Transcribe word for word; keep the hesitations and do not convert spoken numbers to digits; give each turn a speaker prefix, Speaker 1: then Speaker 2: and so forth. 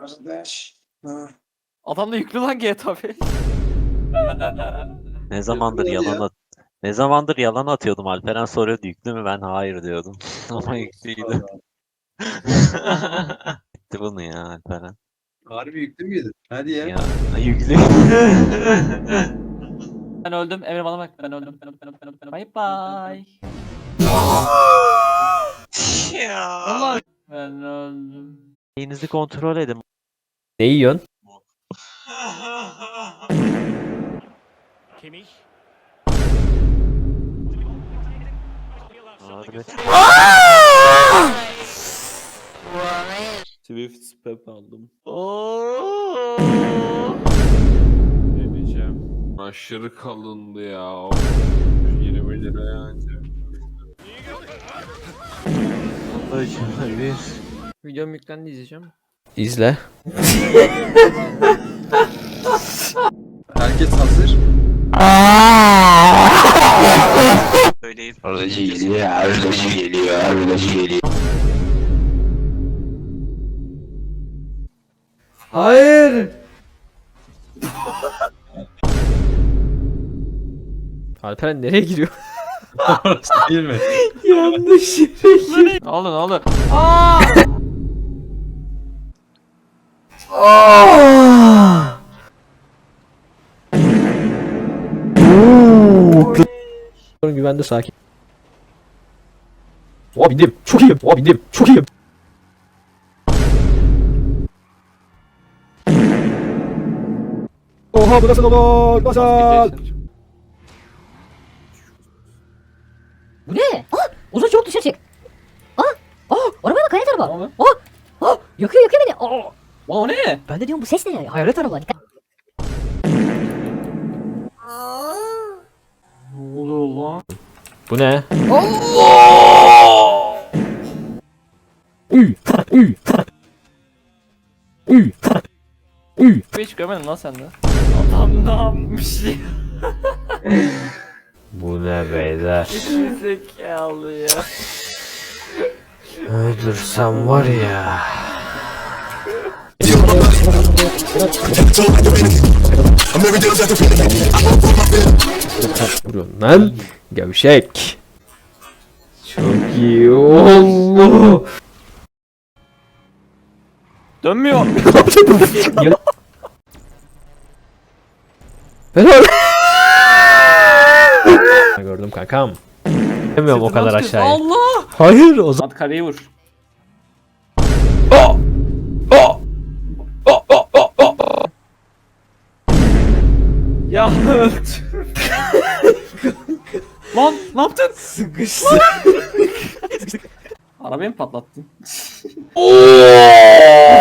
Speaker 1: Kardeş. Ha.
Speaker 2: Adam da yüklü lan G T A beş.
Speaker 3: Ne zamandır
Speaker 1: Yapıyor
Speaker 3: yalan
Speaker 1: ya.
Speaker 3: at Ne zamandır yalan atıyordum. Alperen soruyordu yüklü mü? Ben hayır diyordum. Ama yüklüydü. Bitti bunu ya Alperen.
Speaker 1: Harbi yüklü müydü? Hadi ya.
Speaker 3: Ya yüklü.
Speaker 2: Ben öldüm. Emre bana bak. Ben öldüm. Ben öldüm. Ben öldüm. Ben öldüm. Ben öldüm. Bye bye. Allah. Ben öldüm.
Speaker 3: Şeyinizi kontrol edin.
Speaker 4: Ne yiyorsun?
Speaker 3: Harbi.
Speaker 5: Swift Spep aldım.
Speaker 6: Ne diyeceğim? Aşırı kalındı ya. yirmi liraya ancak.
Speaker 3: Acılı bir.
Speaker 5: Videom yüklendi, izleyeceğim.
Speaker 4: İzle.
Speaker 1: Herkes hazır.
Speaker 3: Söyleyip.
Speaker 1: Arıcı geliyor, arıcı geliyor, arıcı geliyor.
Speaker 4: Hayır. Alperen nereye giriyor?
Speaker 1: Orası değil mi?
Speaker 4: Yanlış yere giriyor.
Speaker 2: Ne oldu ne oldu? Aa!
Speaker 4: Güvende sakin. Oha bindim. Çok iyiyim. Oha bindim. Çok iyiyim. Oha bu nasıl olur? Nasıl?
Speaker 7: Bu ne? Ah! Uzun çabuk dışarı çık. Ah! Ah! Arabaya bak, hayalet araba.
Speaker 2: Ne oldu?
Speaker 7: Ah! Ah! Yakıyor yakıyor beni. Ah!
Speaker 2: Lan o ne?
Speaker 7: Ben de diyorum bu ses ne? Hayalet araba. Dikkat.
Speaker 2: Ne oluyor lan?
Speaker 4: Bu ne? Uy! Uy! Uy! Uy!
Speaker 2: Hiç görmedim lan sende. Adam ne yapmış ya?
Speaker 4: Bu ne beyler?
Speaker 2: Zekalı ya.
Speaker 4: Öldürsem var ya. Vuruyorsun lan. Gevşek. Çok iyi oldu.
Speaker 2: Dönmüyor.
Speaker 4: Helal. Gördüm kankam. Demiyorum o kadar aşağıya.
Speaker 2: Allah.
Speaker 4: Hayır o zaman.
Speaker 2: At kareyi vur. Ya lan ne yaptın?
Speaker 4: Sıkıştı.
Speaker 2: Arabayı mı patlattın?